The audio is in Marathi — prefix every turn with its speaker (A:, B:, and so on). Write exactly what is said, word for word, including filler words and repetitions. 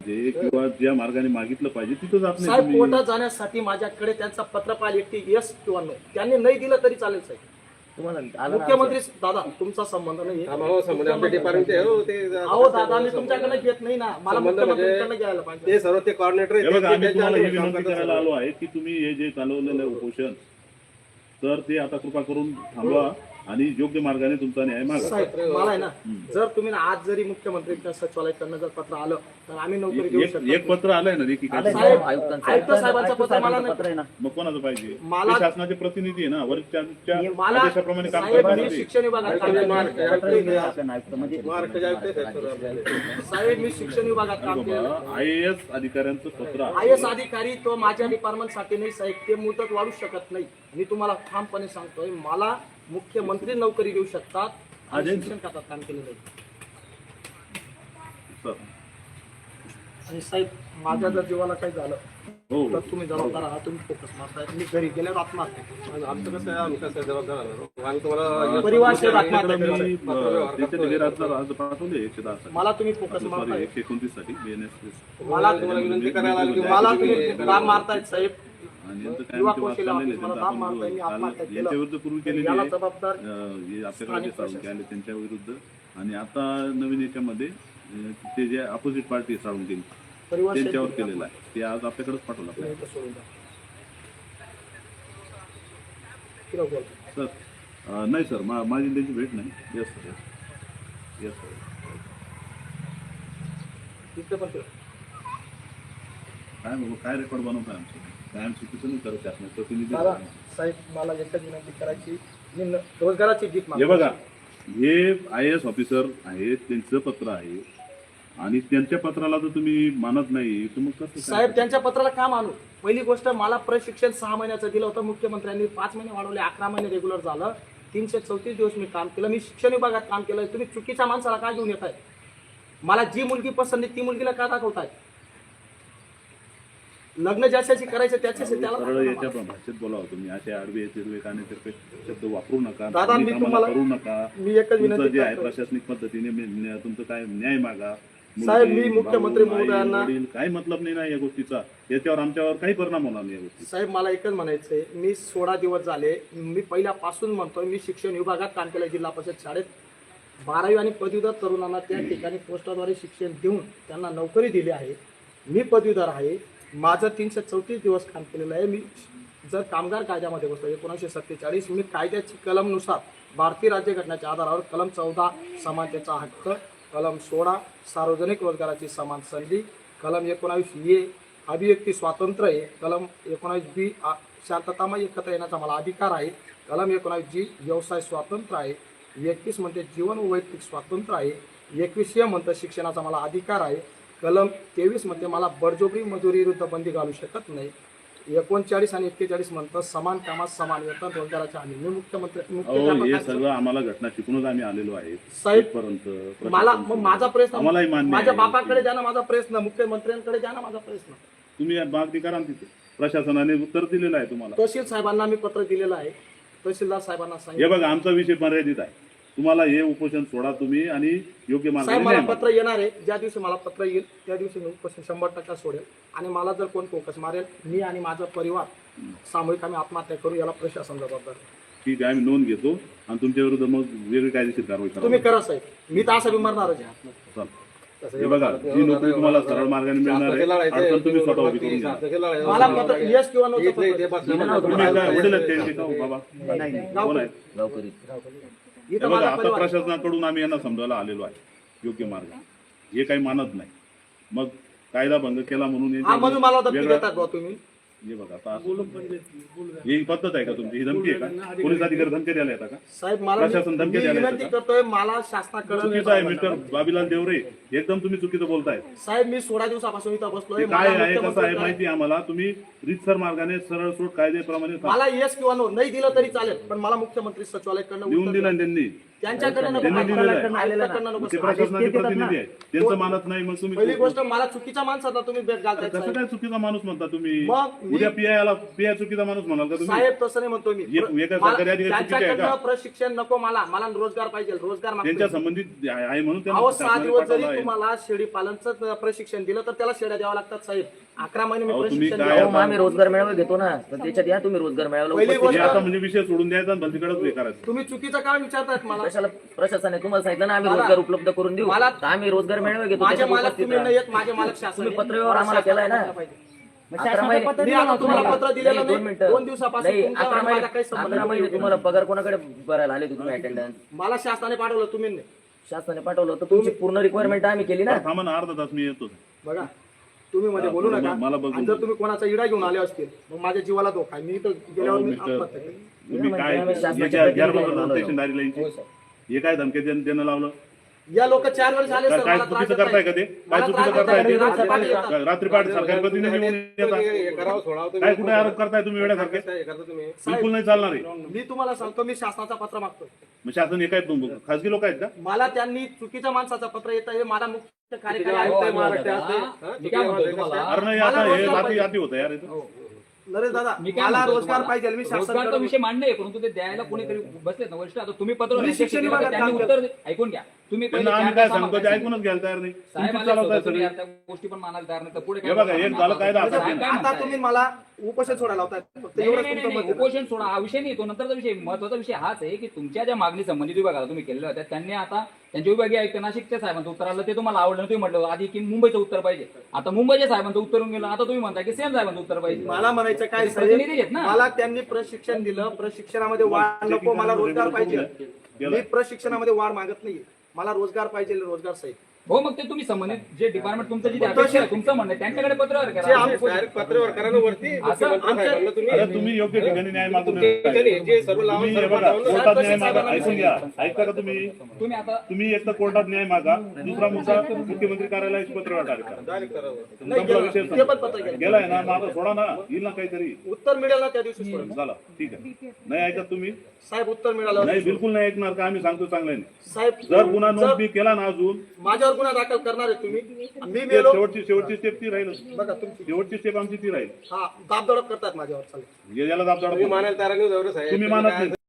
A: जे किंवा ज्या मार्गाने मागितलं पाहिजे तिथं जात नाही
B: साहेब.
A: तुम्ही.
B: कोर्टात जाण्यासाठी माझ्याकडे त्यांचा पत्रपाल एकटी यस किंवा नो त्यांनी नाही दिलं तरी चालेल साहेब. मुख्यमंत्री दादा तुमचा संबंध नाही अहो दादा मी तुमच्याकडे घेत नाही ना, मला मुख्यमंत्र्यांकडे घ्यायला पाहिजे.
C: ते सर्व ते कॉर्डिनेटर
A: हे बघा आम्ही तुम्हाला ही विनंती करायला आलो आहे की तुम्ही हे जे चालवलेलं आहे उपोषण तर ते आता कृपा करून थांबवा आणि योग्य मार्गाने तुमचा न्याय मागा.
B: साहेब मला आहे ना, जर तुम्ही ना आज जरी मुख्यमंत्र्यांच्या सचिवालयाकडनं जर पत्र आलं तर आम्ही नोकरी देऊ
A: एक
B: शकतो.
A: एक पत्र आलंय ना देखील
B: साहेब आयुक्त साहेबांचं पत्र मला नाही.
A: मग कोणाचं पाहिजे?
B: मला-
A: ते शासनाचे प्रतिनिधी आहे ना, वरिष्ठांच्या
B: मला
A: आदेशाप्रमाणे काम
B: साहेब मी
A: करतात.
B: शिक्षण विभागात काम केलं. साहेब मी शिक्षण विभागात काम केलं.
A: आय ए एस अधिकाऱ्यांचं पत्र आहे.
B: आय एस अधिकारी तो माझ्या डिपार्टमेंटसाठी नाही साहेब, ते मुदत वाढू शकत नाही. मी तुम्हाला ठामपणे सांगतोय, मला मुख्यमंत्री नोकरी देऊ शकतात. आणि शिक्षण खात्यात काम केलं नाही.
A: सर.
B: आणि साहेब माझ्या जर जीवाला काही झालं
A: हो
B: तर तुम्ही जबाबदार आहात, तुम्ही फोकस मारताय. मी घरी गेल्यावर आत्महत्या केली.
C: आमचं कसं आहे, आम्ही कसं जबाबदार आहोत. आम्ही तुम्हाला
B: परिवार सेवा आत्महत्या
A: आपल्याकडे
B: केली.
A: मी अ, त्याचे निवेदनाचा अर्ज पाठवले एकशे दहा साठी.
B: मला तुम्ही फोकस
A: सॉरी
B: मारताय.
A: एकशे एकोणतीस साठी बी एन एस
B: मला
C: तुम्हाला विनंती करायला आली की
B: मला तुम्ही काम मारतायत साहेब.
A: आणि यांचं काय
B: युवा
A: आमचे वाद
B: कौशल्य
A: चाललेले
B: ऑफिस मला
A: त्यांचं
B: दाब
A: आपण
B: मारताय. मी
A: काल
B: आत्महत्या केलं.
A: यांच्या विरुद्ध पूर्वी केलेली
B: याला
A: आहे.
B: जबाबदार
A: अं, हे आपल्याकडे जे
B: स्थानिक
A: साळुंके आले त्यांच्या विरुद्ध आणि आता नवीन याच्यामध्ये अं, ते जे अपोजिट पार्टी साळुंके
B: परिवार
A: त्यांच्यावर
B: शेतकरी
A: केलेलं आहे ते आज आपल्याकडेच पाठवलं
B: तुम्ही
A: आपल्याला.
B: इथं सोडून द्या. किती बोल.
A: सर अं, नाही सर मा माझी त्यांची भेट नाही. Yes sir yes yes sir.
B: इथं पण ठेव.
A: काय बाबा काय रेकॉर्ड बनवताय आमचं काय आमची चुकीचं नाही करत त्यात प्रतिनिधी
B: मला साहेब मला एकच विनंती करायची, मी न- रोजगाराची गीत
A: हे
B: मागतो.
A: बघा हे आय ए एस ऑफिसर आहेत त्यांचं पत्र आहे आणि त्यांच्या पत्राला जर तुम्ही मानत नाही तर मग कसं काय?
B: साहेब त्यांच्या पत्राला का मानू? पहिली गोष्ट मला प्रशिक्षण सहा महिन्याचं दिलं होतं मुख्यमंत्र्यांनी, पाच महिने वाढवले, अकरा महिने रेग्युलर झालं. तीनशे चौतीस दिवस मी काम केलं. मी शिक्षण विभागात काम केलं. तुम्ही चुकीच्या माणसाला काय घेऊन येत आहे? मला जी मुलगी पसंत आहे ती मुलगीला का दाखवताय? लग्न ज्याच्याशी करायचं त्याच्याशी त्याला
A: सरळ
B: दाखवा
A: याच्या
B: मला.
A: भाषेत बोलावं तुम्ही असे आडवे तिरवे कानेतिरपे शब्द वापरू नका.
B: दादा, मी
A: तुम्ही आम्हाला
B: तुम्हाला-
A: करू नका.
B: मी एकच
A: तुमचं
B: विनंती
A: जे आहे
B: करतो.
A: प्रशासनिक पद्धतीने मी- न्या- तुमचं काय न्याय मागा.
B: साहेब,
A: मुलगी,
B: मी मुख्यमंत्री
A: भाऊ, आई,
B: महोदयांना-
A: वडील, काही मतलब नाही ना या गोष्टीचा. याच्यावर आमच्यावर काही परिणाम होणार नाही या गोष्टी.
B: साहेब मला एकच म्हणायचंय, मी सोळा दिवस झाले, मी पहिल्यापासून म्हणतोय, मी शिक्षण विभागात काम केलं जिल्हा परिषद शाळेत. बारावी आणि पदवीधर तरुणांना त्या ठिकाणी पोस्टाद्वारे शिक्षण देऊन त्यांना नोकरी दिली आहे. मी पदवीधर आहे. माझं तीनशे चौतीस दिवस काम केलेलं आहे. मी जर कामगार कायद्यामध्ये बसतो एकोणीसशे सत्तेचाळीस, मी कायद्याची कलमनुसार भारतीय राज्यघटनेच्या आधारावर कलम चौदा समानतेचा हक्क, कलम सोळा सार्वजनिक रोजगाराची समान संधी, कलम एकोणावीस ए अभिव्यक्ती स्वातंत्र्य आहे, कलम एकोणावीस बी शांततामय एकत्र येण्याचा मला अधिकार आहे, कलम एकोणावीस जी व्यवसाय स्वातंत्र्य आहे, एकवीस म्हणते जीवन व वैयक्तिक स्वातंत्र्य आहे, एकवीस ए म्हणतं शिक्षणाचा मला अधिकार आहे, कलम तेवीस मध्ये मला बळजबरी मजुरी विरुद्ध बंदी घालू शकत नाही, एकोणचाळीस आणि एक्केचाळीस म्हणतं समान कामात समान वेतन रोजगाराच्या हमी. मी मुख्यमंत्री
A: अहो हे
B: मुख्य
A: सगळं आम्हाला घटना शिकूनच आम्ही आलेलो आहे
B: साहेब,
A: इथपर्यंत.
B: मला मग माझा प्रश्न
A: आम्हालाही मान्य
B: माझ्या
A: आहे.
B: बापाकडे द्या ना माझा प्रश्न, मुख्यमंत्र्यांकडे द्या ना माझा प्रश्न.
A: तुम्ही मागणी करा ना तिथे. प्रशासनाने उत्तर दिलेलं आहे तुम्हाला.
B: तहसील साहेबांना मी पत्र दिलेलं आहे. तहसीलदार साहेबांना
A: हे
B: सांगितलं.
A: बघा आमचा विषय मर्यादित आहे. तुम्हाला हे उपोषण सोडा तुम्ही आणि योग्य
B: साहेब
A: मार्गाने
B: मला
A: न्याय मागा.
B: पत्र येणार आहे. ज्या दिवशी मला पत्र येईल त्या दिवशी मी उपोषण शंभर टक्का सोडेल. आणि मला जर कोण फोकस मारेल, मी आणि माझा परिवार सामूहिक आम्ही आत्महत्या करू, याला प्रशासन जबाबदार आहे.
A: ठीक आहे आम्ही नोंद घेतो आणि तुमच्या विरुद्ध मग वेगळी कायदेशीर कारवाई करा.
B: तुम्ही करा साहेब, मी तर असं बिमारणारच आहे.
A: चल. हे बघा जी नोकरी तुम्हाला सरळ मार्गाने मिळणार आहे अडचण तुम्ही स्वतः उभी करून घ्या.
B: मला पत्र यस किंवा नो
A: तुम्ही काय वडील आहेत त्यांचे का हो बाबा? कोण आहेत? हे
B: इथं
A: बघा
B: माझा
A: आता
B: परिवार आहे.
A: प्रशासनाकडून आम्ही यांना समजायला आलेलो आहे योग्य मार्ग. हे काही मानत नाही. मग कायदा भंग केला म्हणून
B: हा
A: याच्यावर
B: म्हणून मला धमकी
A: वेगळा-
B: देतात भाऊ तुम्ही.
A: हे बघा आता असं- ही पद्धत आहे का तुमची? ही धमकी आहे का? पोलीस अधिकारी धमकी द्यायला येतात का?
B: साहेब मला
A: प्रशासन
B: मी
A: धमकी
B: मी
A: द्यायला
B: विनंती
A: येतं
B: करतोय, मला शासनाकडे
A: चुकीचं आहे मिस्टर बाबीलाल देवरे. एकदम तुम्ही चुकीचं बोलताय.
B: साहेब मी सोळा दिवसापासून इथं बसलोय.
A: ते काय
B: मला
A: आहे कसं आहे
B: मुख्यमंत्री-
A: माहिती आहे आम्हाला. तुम्ही रीतसर मार्गाने सरळ सोड कायद्याप्रमाणे
B: मला येस किंवा नो नाही दिलं तरी चालेल, पण मला मुख्यमंत्री सचिवालयाकडनं
A: लिहून
B: उत्तर
A: दिला
B: द्या.
A: त्यांनी.
B: त्यांच्याकडे नको
A: त्यांनी दिलेलं आहे.
B: आयुक्ताकडनं नको
A: ते प्रशासनाचे प्रतिनिधी आहे त्यांचं मानत नाही मग
B: पहिली
A: तुम्ही
B: गोष्ट मला चुकीच्या माणसाला तुम्ही भेट घालताय
A: कसं
B: साहेब.
A: काय चुकीचा माणूस म्हणता तुम्ही
B: मग मी-
A: उद्या पीआयला पीआय चुकीचा माणूस म्हणाल का तुम्ही
B: साहेब तसं नाही म्हणतो मी
A: एक- एका
B: मला-
A: सरकारी अधिकारी चुकीचे आहे का?
B: त्यांच्याकडनं प्रशिक्षण नको मला मला रोजगार पाहिजे रोजगार मागतोय.
A: त्यांच्या संबंधित आहे आहे म्हणून
B: अहो सहा
A: शासनाने
B: दिवस जरी
A: पाठवलं आहे.
B: तुम्हाला शेळी पालनचं प्रशिक्षण दिलं तर त्याला शेळ्या द्यावा लागतात साहेब अकरा महिने मी
A: अहो, तुम्ही
B: प्रशिक्षण
A: काय
B: दिलं.
D: अहो, आम्ही रोजगार मेळावा घेतो ना तर त्याच्यात या तुम्ही रोजगार मेळाव्याला
B: पहिली
D: उपस्थित
A: हे
B: गोष्ट-
A: आता म्हणजे विषय सोडून द्यायचा आणि भलतीकडेच हे करायचं
B: तुम्ही चुकीचं काय विचारतायत मला
D: कशाला प्रशासनाने तुम्हाला सांगितलं ना आम्ही
B: मला-
D: रोजगार उपलब्ध करून देऊ
B: मला-
D: तर आम्ही रोजगार मेळावा घेतो
B: माझे
D: त्याच्यात
B: मालक
D: उपस्थित
B: तुम्ही
D: राहा.
B: नाही येत माझे मालक शासन
D: तुम्ही
B: आहे.
D: पत्रव्यवहार आम्हाला
B: मला
D: केलाय ना
B: शासनाला पाहिजे.
D: अकरा महिने
B: मी आता तुम्हाला पत्र दिलेलं
D: नाही,
B: नाही.
D: दोन मिनिटं
B: दोन दिवसापासून
D: नाही,
B: तुमचा
D: अकरा
B: आणि
D: महिने
B: माझा काही संबंध
D: अकरा महिने
B: नाही.
D: तुम्हाला पगार कोणाकडे भरायला आले होते तुम्ही अटेंडन्स
B: मला शासनाने पाठवलं तुम्ही नाही
D: शासनाने पाठवलं तर तुमची पूर्ण रिक्वायरमेंट आम्ही केली ना
A: थांबा ना अर्धा तास मी येतो
B: बघा तुम्ही मध्ये बोलू
A: मला-
B: नका
A: मला बघून
B: आणि जर तुम्ही कोणाचा इडा घेऊन आले असतील मग माझ्या जीवाला धोका आहे. मी तर गेल्यावर मी
A: मिस्टर
B: आत्महत्या केली.
A: तुम्ही काय
D: आम्ही शासनाच्या
A: याच्या
D: प्रतिनिधी
A: गैरप्रकार
D: म्हणून
A: स्टेशनदारी लाईनची हे काय धमकी देणं देणं लावलं
B: या लोक चार वेळेस आले
A: काय
B: सर
A: काय
B: मला त्रास
A: चुकीचं
B: देताय.
A: करताय का ते काय
B: मला
A: चुकीचं
B: त्रास
A: करताय
B: देताय.
A: ते
B: रात्री पाठी येतात.
A: काय रात्री पहाटे सरकारी प्रतिनिधी येऊन येतात
C: हे करावं सोडावं तुम्ही.
A: काय कुठे आरोप करताय तुम्ही वेड्यासारखे
C: हे करता तुम्ही
A: बिलकुल नाही चालणार आहे
B: मी तुम्हाला सांगतो मी शासनाचा पत्र मागतो
A: मग शासन हे काय तुम- खासगी लोक आहेत का
B: मला त्यांनी चुकीच्या माणसाचं पत्र येत आहे मला मुख्य कार्यकारी आयुक्त
C: आयुक्त
B: आहे
C: आहे
B: महाराष्ट्राचे.
C: महाराष्ट्राचे. हा?
E: मी काय म्हणतोय तुम्हाला
A: अरे नाही
B: मला
A: आता हे
B: रोजगार
A: रात्री
B: पाहिजे.
A: अति होतं यार इथं.
B: नरेश दादा
E: मी काय
B: मला
E: म्हणतोय
B: रोजगार
E: तुम्हाला?
B: पाहिजे मी
E: रोजगारचा
B: शासनाकडे
E: विषय मांडणे आहे, परंतु ते द्यायला कोणीतरी बसलेत ना वरिष्ठ आता तुम्ही पत्र
B: मी
E: अध्यक्ष
B: शिक्षण
E: केलं,
B: विभागात
E: त्यांनी
B: काम
E: उत्तर दे- ऐकून घ्या तुम्ही पहिले
A: त्यांना आम्ही
E: चार
A: काय
E: दिवस
A: सांगतो ते
E: आम्हाला
A: ऐकूनच घ्यायला तयार नाही
E: साहेब
A: तुमचीच
E: आले
A: चालवताय
E: होते, तुम्ही
A: सगळी
E: आता गोष्टी पण मानायला तयार नाही तर पुढे
A: हे
E: काय
A: बघा, एक
E: बोलणार?
A: झालं कायदा
E: साहेब
A: आता
E: काय
B: आता
E: म्हणताय?
B: तुम्ही मला उपोषण सोडायला लावताय फक्त
E: नाही,
B: एवढंच
E: नाही,
B: तुमचं
E: नाही,
B: मत
E: नाही,
B: आहे.
E: उपोषण सोडा हा विषय नाही तो नंतरचा विषय महत्वाचा विषय हाच आहे की तुमच्या ज्या मागणी संबंधित विभागाला तुम्ही केलेल्या होत्या त्यांनी आता त्यांच्या विभागीय आयुक्त नाशिकच्या साहेबांचं उत्तर आलं ते तुम्हाला आवडलं तुम्ही म्हटलं आधी की मुंबईचं उत्तर पाहिजे आता मुंबईच्या साहेबांचं उत्तर येऊन गेलं आता तुम्ही म्हणता की सेम साहेबांचं उत्तर पाहिजे
B: मला म्हणायचं काय
E: ते प्रतिनिधी
B: साहेब
E: आहेत ना.
B: मला त्यांनी प्रशिक्षण दिलं प्रशिक्षणामध्ये वाढ नको मला रोजगार पाहिजे मी प्रशिक्षणामध्ये वाढ मागत नाही मला रोजगार पाहिजे रोजगार साहेब
E: हो मग ते तुम्ही संबंधित जे डिपार्टमेंट तुमचं जे
B: पण
E: अपेक्षा आहे
B: तसे-
E: तुमचं म्हणणं आहे, त्यांच्याकडे पत्रव्यवहार
B: जे
E: करा
B: आम-
C: डायरेक्ट पत्रव्यवहार करा ना वरती मुख्यमंत्री
B: आमच्या-
C: साहेबांना तुम्ही
A: अरे तुम्ही योग्य ठिकाणी न्याय मागून
C: तुमच्या जे सर्व लावून
A: तुम्ही हे
C: सर्व
A: बघा
C: लावून
A: कोर्टात
B: साहेब,
A: न्याय मागा
B: साहेबांना
A: ऐकून घ्या ऐकता का तुम्ही
E: तुम्ही आता
A: तुम्ही एक तर कोर्टात न्याय मागा दुसरा मुद्दा मुख्यमंत्री कार्यालयाचे पत्र टाका
C: डायरेक्ट करावं.
B: नाही
A: संपला
B: गेलं.
A: विषय
B: ते पण पत्र गेलं.
A: गेलाय ना माझा सोडा ना येईल ना काहीतरी
B: उत्तर मिळेल ना त्या दिवशी सोडून.
A: झाला ठीक आहे नाही ऐकत तुम्ही
B: साहेब उत्तर मिळालं
A: नाही बिलकुल नाही ऐकणार का आम्ही सांगतो चांगल्याने
B: साहेब
A: जर गुन्हा नोंद
B: जर
A: मी केला ना अजून
B: माझ्यावर गुन्हा दाखल करणार आहे तुम्ही मी
A: ते
B: मेलो
A: शेवटची शेवटची स्टेप ती राहील
B: बघा तुमची
A: शेवटची स्टेप आमची ती राहील
B: हा दाबदडप करतात माझ्यावर चालेल
A: याला दाब
C: तुम्ही मानायला तयार नाही जाऊ रे साहेब
A: तुम्ही
C: तुम्ही
A: मानत
C: काय-
A: नाही